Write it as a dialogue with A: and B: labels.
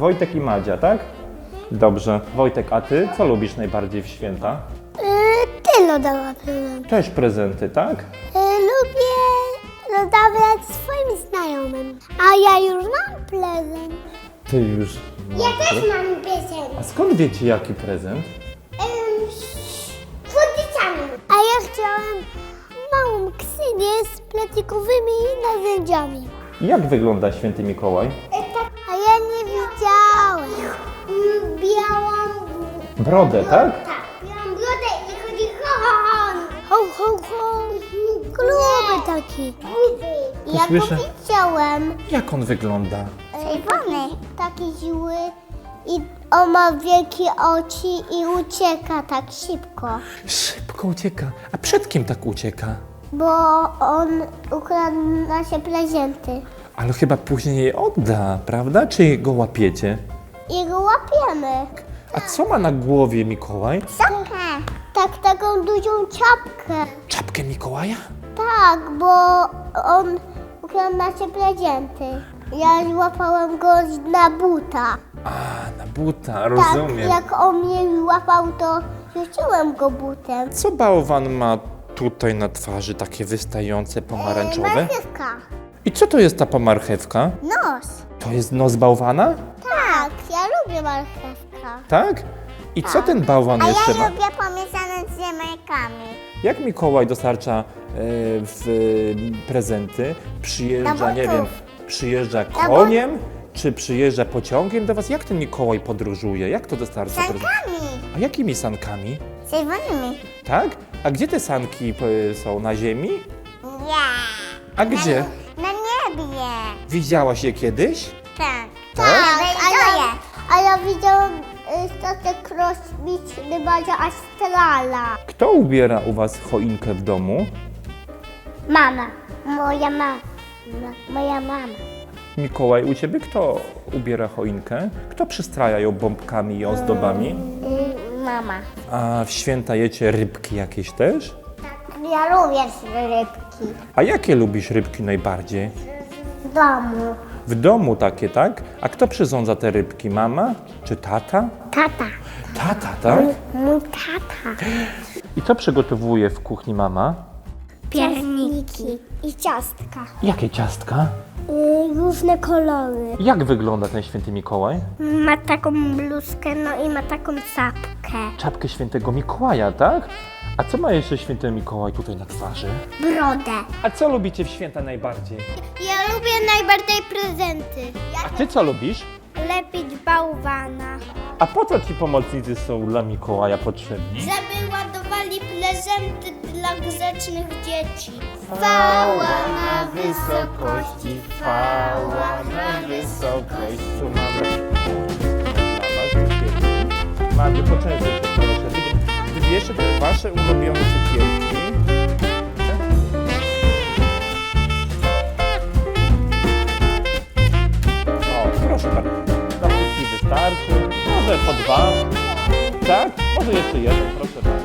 A: Wojtek i Madzia, tak? Dobrze. Wojtek, a ty co lubisz najbardziej w święta?
B: Tylo dała prezent.
A: Też prezenty, tak?
B: Lubię rozdawać swoim znajomym. A ja już mam prezent.
A: Ty już...
B: Mam prezent.
A: A skąd wiecie, jaki prezent?
B: Słodyczami. A ja chciałam małą ksynię z plastikowymi narzędziami.
A: Jak wygląda święty Mikołaj?
B: A ja nie widziałem. Białą...
A: Brodę, tak?
B: Tak, białą brodę i chodzi ho. Ho, ho, ho. Gruby taki. Ja go
A: słyszę.
B: widziałem.
A: Jak on wygląda?
B: Czerwony. Taki zły i on ma wielkie oczy i ucieka tak szybko.
A: Szybko ucieka. A przed kim tak ucieka?
B: Bo on ukradł nasze prezenty.
A: Ale chyba później je odda, prawda? Czy go łapiecie?
B: I go łapiemy.
A: A co ma na głowie Mikołaj?
B: Czapkę. Tak, taką dużą czapkę.
A: Czapkę Mikołaja?
B: Tak, bo on ukradł nasze prezenty. Ja złapałem go na buta.
A: A, na buta,
B: Tak,
A: rozumiem.
B: jak on mnie łapał, to rzuciłem go butem.
A: Co bałwan ma tutaj na twarzy, takie wystające pomarańczowe?
B: Marchewka.
A: I co to jest ta pomarchewka?
B: Nos.
A: To jest nos bałwana?
B: Tak, ja lubię marchewka.
A: Tak? I co ten bałwan jeszcze ma?
B: lubię pomieszane z ziemniakami.
A: Jak Mikołaj dostarcza prezenty? Przyjeżdża, nie wiem, przyjeżdża koniem? Czy przyjeżdża pociągiem do was? Jak ten Mikołaj podróżuje? Jak to dostarcza prezenty? A jakimi sankami?
B: Czerwonymi.
A: Tak? A gdzie te sanki są? Na ziemi?
B: Nie.
A: A gdzie?
B: Na niebie.
A: Widziałaś je kiedyś?
B: Tak.
A: Tak?
B: A ja widziałam statek kosmiczny Bazia Astrala.
A: Kto ubiera u was choinkę w domu?
B: Mama. Moja mama. Moja mama.
A: Mikołaj, u ciebie kto ubiera choinkę? Kto przystraja ją bombkami i ozdobami?
B: Mama.
A: A w święta jecie rybki jakieś też?
B: Ja lubię rybki.
A: A jakie lubisz rybki najbardziej?
B: W domu.
A: W domu takie, tak? A kto przyrządza te rybki? Mama czy tata?
B: Tata.
A: Tata, tak?
B: Mój tata.
A: I co przygotowuje w kuchni mama?
B: Pierniki. I ciastka.
A: Jakie ciastka?
B: Różne kolory.
A: Jak wygląda ten święty Mikołaj?
B: Ma taką bluzkę, no i ma taką czapkę.
A: Czapkę świętego Mikołaja, tak? A co ma jeszcze święty Mikołaj tutaj na twarzy?
B: Brodę.
A: A co lubicie w święta najbardziej?
B: Ja lubię najbardziej prezenty.
A: A ty co lubisz?
B: Lepić bałwana.
A: A po co ci pomocnicy są dla Mikołaja potrzebni?
B: Żeby ładowali prezenty dla grzecznych dzieci. Chwała na wysokości, chwała na wysokości.
A: Tu mamy... Mamy, poczęstuj się proszę. Wybierzcie te wasze ulubione cukierki. O, proszę bardzo. Dla wszystkich wystarczy. Może po dwa. Tak? Może jeszcze jeden, proszę bardzo.